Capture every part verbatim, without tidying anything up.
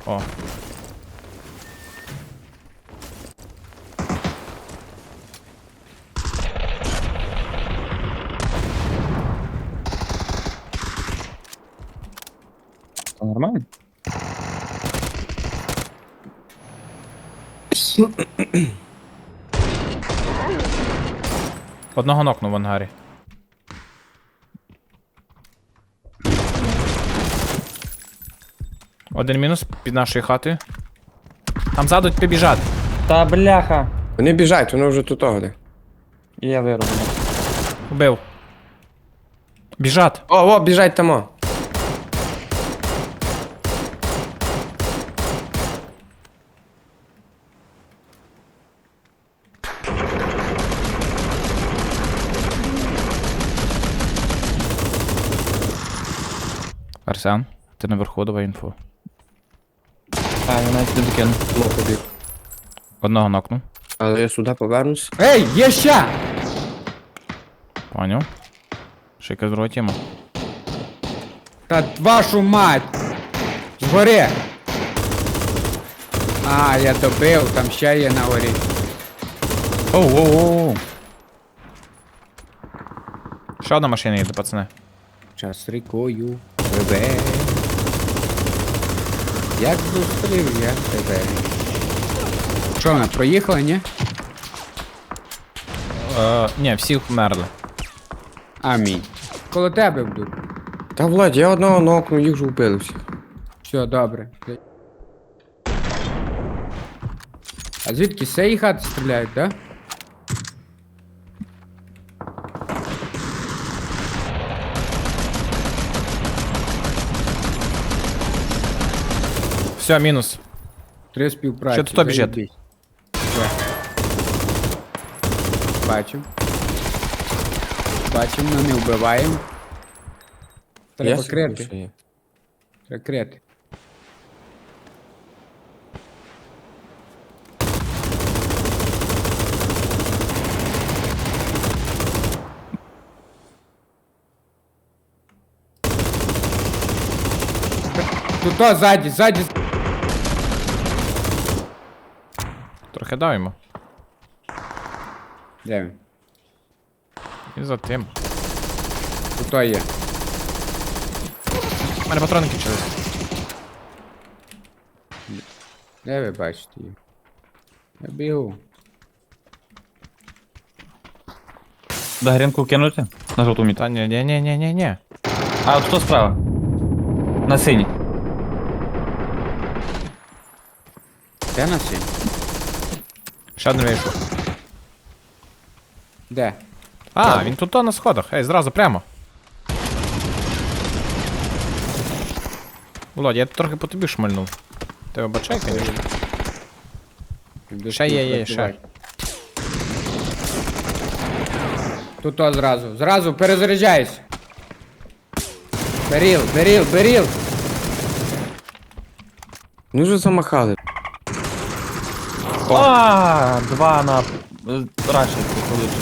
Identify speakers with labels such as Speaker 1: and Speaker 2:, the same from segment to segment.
Speaker 1: О.
Speaker 2: Це нормально?
Speaker 1: Одного нокнув в ангарі. Один мінус під нашою хатою. Там ззаду побіжать.
Speaker 2: Та бляха.
Speaker 3: Вони біжать, вони вже тут огли.
Speaker 2: І я вироблю.
Speaker 1: Убив. Біжать.
Speaker 3: О, о, біжать тамо.
Speaker 1: Арсен, ти наверху, давай інфу.
Speaker 2: А, я навіть не докину.
Speaker 3: Ну, побіг.
Speaker 1: Одного нокнув.
Speaker 3: Але я сюди повернусь.
Speaker 2: Ей, є ще!
Speaker 1: Поняв. Ще якась друга тема.
Speaker 2: Та вашу мать! Згори! А, я добив, там ще є на горі.
Speaker 1: Оу, оу, оу. Ще одна машина їде, пацани.
Speaker 2: Час рікою пливе. Як зустрів я тебе. Що, вона проїхала, ні?
Speaker 1: Е, ні, всі вмерли.
Speaker 2: Амінь. Коло тебе буду.
Speaker 3: Та Владь, я одного нокну, їх вже вбили всіх.
Speaker 2: Все, добре. А звідки з цієї хати стріляють, так? Да?
Speaker 1: Все, мінус.
Speaker 2: Три співпраці.
Speaker 1: Що тут біжить?
Speaker 2: заєбісь. Все. Бачим. Бачим, но не вбиваємо. Треба
Speaker 3: Я
Speaker 2: крити.
Speaker 3: собі є.
Speaker 2: Треба крити. Тут то, ззаді, ззаді.
Speaker 1: Трохи дав йому.
Speaker 2: Де він?
Speaker 1: І за тим.
Speaker 2: Тут то є.
Speaker 1: У мене патрони кінчились.
Speaker 2: Де ви бачите її? Я бігу.
Speaker 4: До грінку кинути? На жовту міту.
Speaker 1: Та ні, ні, ні, ні, ні, ні.
Speaker 4: А от хто справа? На синій.
Speaker 2: Де на сі?
Speaker 1: Ще один вийшов.
Speaker 2: Де?
Speaker 1: А, він тут то на сходах. Ей, зразу прямо. Володя, я трохи по тобі шмальнув. Ти обачай, звісно.
Speaker 2: Іду
Speaker 1: Ще є, є, ще.
Speaker 2: співпрацювати. Тут то зразу. Зразу перезаряджайся. Беріл, беріл, беріл.
Speaker 3: Вони вже замахали.
Speaker 4: А, два на е, раші получиш.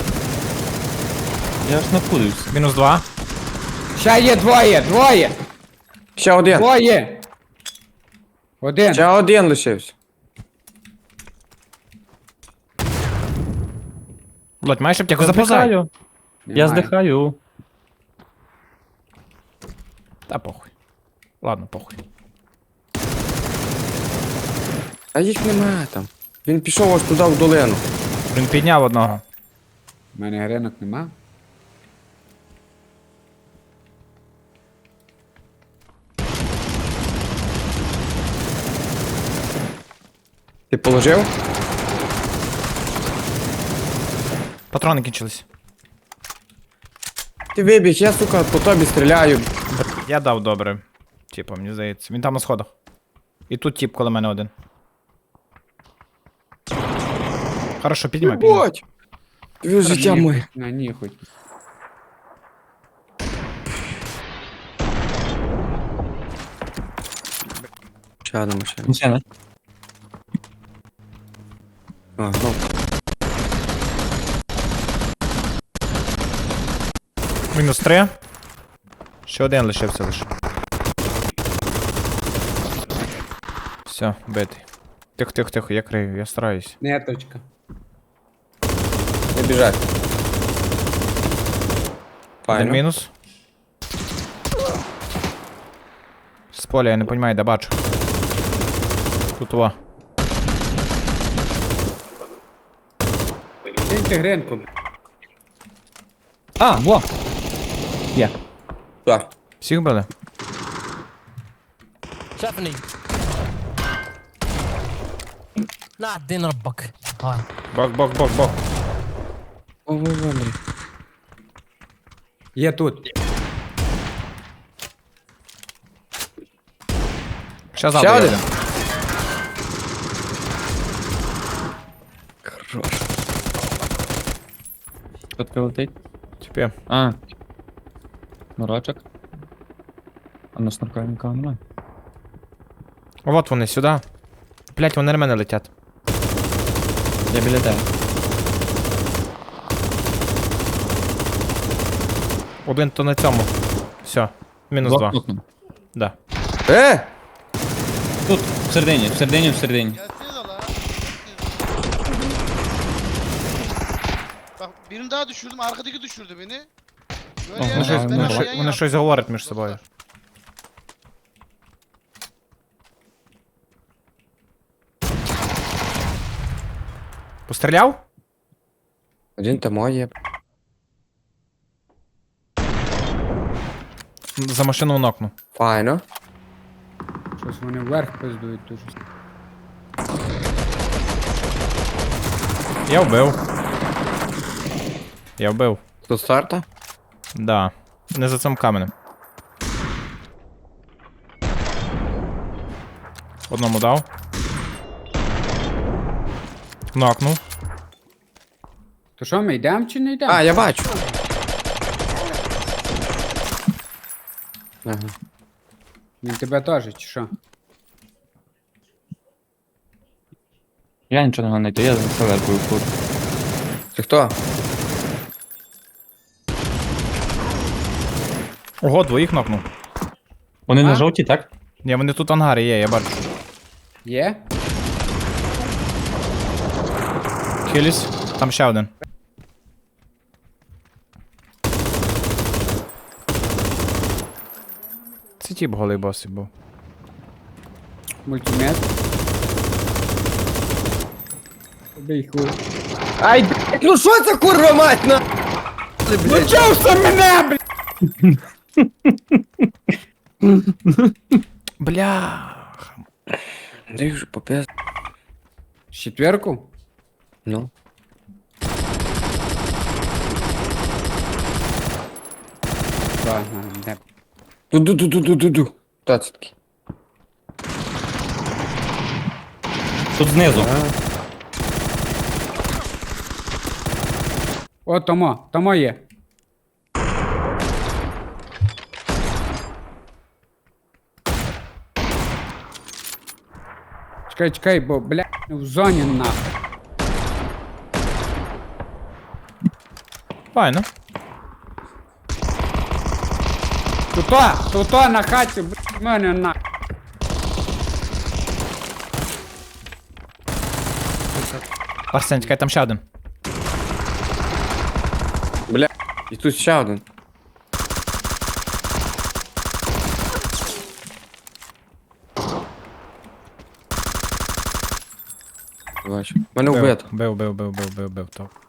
Speaker 4: Я ж не пудився.
Speaker 1: Мінус два.
Speaker 2: Ще є двоє, двоє.
Speaker 3: Ще один.
Speaker 2: Двоє. Один.
Speaker 3: Ще один лишився.
Speaker 1: Володь, маєш аптеку?
Speaker 4: Я
Speaker 1: Запозай.
Speaker 4: здихаю. Я
Speaker 2: Немає.
Speaker 4: здихаю.
Speaker 1: Та похуй. Ладно, похуй.
Speaker 3: А їх немає там. Він пішов аж туди в долину.
Speaker 1: Він підняв одного.
Speaker 2: У мене гринок нема.
Speaker 3: Ти положив?
Speaker 1: Патрони кінчились.
Speaker 3: Ти вибіг, я, сука, по тобі стріляю.
Speaker 1: Я дав добре. Типа, мені здається. Він там на сходах. І тут тип коло мене один. Хорошо, піднімай, піднімай.
Speaker 3: Єбать! Твоє життя моє.
Speaker 2: На ні хоч.
Speaker 3: Ще одна машина.
Speaker 4: Машина.
Speaker 3: А, ну.
Speaker 1: Мінус три. Ще один лишився лише. Все, битий. Тихо, тихо, тихо, я крию, я стараюсь.
Speaker 2: Неточка.
Speaker 3: Не біжать.
Speaker 1: Один
Speaker 3: Файно.
Speaker 1: мінус. З поля, я не розумію, де бачу. Тут во.
Speaker 2: Киньте гринку.
Speaker 4: А, во! Є.
Speaker 3: Так.
Speaker 1: Всіх били?
Speaker 5: شافني لا دين ربك هاي
Speaker 1: Бок, бок, бок, бок.
Speaker 3: О, ви Андрій.
Speaker 2: Є тут.
Speaker 1: Ще
Speaker 3: Ще
Speaker 1: ззаду
Speaker 3: один?
Speaker 1: один.
Speaker 3: Хорош.
Speaker 4: Хто таке летить?
Speaker 1: Тепер.
Speaker 4: А. Мурачок. А на снурка нікого немає.
Speaker 1: Вот вони, сюди. Блять, вони на мене летять.
Speaker 4: Я біля тебе.
Speaker 1: Один то на цьому. Все. Мінус два.
Speaker 4: Блокнутно.
Speaker 1: Да.
Speaker 3: Е!
Speaker 4: Тут, в середині, в середині, в середині.
Speaker 6: Gelsene la. Bak birini daha düşürdüm. Arkadaki düşürdü beni. Böyle
Speaker 4: Aha,
Speaker 6: yan
Speaker 1: Вони щось,
Speaker 6: yana,
Speaker 1: вони,
Speaker 6: ben
Speaker 1: щось-
Speaker 6: yan
Speaker 1: вони
Speaker 6: yana.
Speaker 1: щось говорять між собою. Постріляв?
Speaker 3: Один там є.
Speaker 1: За машину нокну.
Speaker 3: Файно.
Speaker 2: Щось вони вверх пиздують дуже.
Speaker 1: Я вбив. Я вбив.
Speaker 3: Тут старта?
Speaker 1: Да. Не за цим каменем. Одному дав. Нокнув.
Speaker 2: То що, ми йдемо чи не йдемо?
Speaker 3: А, я бачу. Ага.
Speaker 2: Він тебе теж, чи що?
Speaker 4: Я нічого не знайти, я за селеркою тут.
Speaker 3: Це хто?
Speaker 1: Ого, двоїх нокнув.
Speaker 4: Вони
Speaker 2: А?
Speaker 4: на жовтій, так?
Speaker 1: Ні, вони тут в ангарі є, я бачу.
Speaker 2: Є?
Speaker 1: Хиліс. Там ще один. Це тіп голий босий був.
Speaker 2: Мультимет. Убий хуй.
Speaker 3: Ай, блядь, ну що це курва мать на? Ну чого ж це мене, блядь?
Speaker 1: Бля.
Speaker 3: Андрій вже попес.
Speaker 2: Четверку?
Speaker 3: Ну.
Speaker 2: Ладно, не.
Speaker 3: Ду-ду-ду-ду-ду-ду. Хто це такий?
Speaker 4: Тут знизу.
Speaker 2: О, Томо, Томо є. Чекай, чекай, бо, бля, в зоні нахуй.
Speaker 1: Файно.
Speaker 2: Туто, туто на хаті, бля, в мене на.
Speaker 1: Арсен, чекай, там ще один.
Speaker 3: Бля. І тут ще один. Бачу. Мене
Speaker 1: Бив,
Speaker 3: вбито.
Speaker 1: бив, бив, бив, бив, бив, бив, топ.